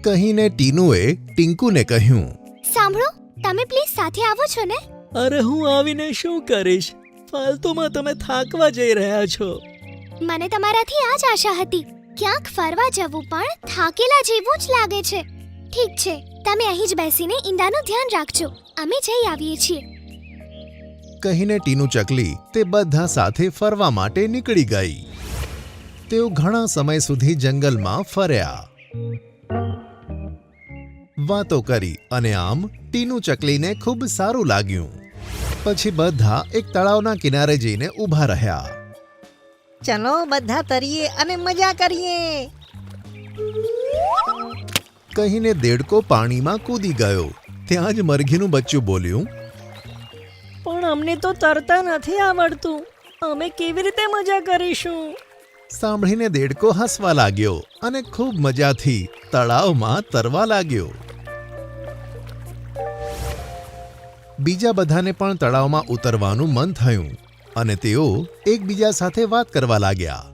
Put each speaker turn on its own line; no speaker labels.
કહીને ટીનુએ ટીંકુને કહ્યું,
સાંભળો, તમે પ્લીઝ સાથે આવો છો ને?
અરે હું આવીને શું કરીશ? ફાલતુમાં તમે થાકવા જઈ રહ્યા છો.
મને તમારાથી આ જ આશા હતી. ક્યાંક ફરવા જવું પણ થાકેલા જેવું જ લાગે છે. ઠીક છે, તમે અહીં જ બેસીને ઈંડાનું ધ્યાન રાખજો. અમે જઈ આવીએ છીએ.
કહીને ટીનુ ચકલી તે બધા સાથે ફરવા માટે નીકળી ગઈ. તેઓ ઘણા સમય સુધી જંગલમાં ફર્યા, વાતો કરી અને આમ ટીનુ ચકલીને ખૂબ સારું લાગ્યું. પછી બધા એક તળાવના કિનારે જઈને ઊભા રહ્યા.
ચલો બધા તરીએ અને મજા કરીએ.
કહીને દેડકો પાણીમાં કૂદી ગયો. ત્યાં જ મરઘીનું બચ્ચું બોલ્યું,
પણ અમને તો તરતા નથી આવડતું. અમે કેવી રીતે મજા કરીશું?
સાંભળીને દેડકો હસવા લાગ્યો અને ખૂબ મજાથી તળાવમાં તરવા લાગ્યો. બીજા બધાને પણ તળાવમાં ઉતરવાનું મન થયું અને તેઓ એકબીજા સાથે વાત કરવા લાગ્યા.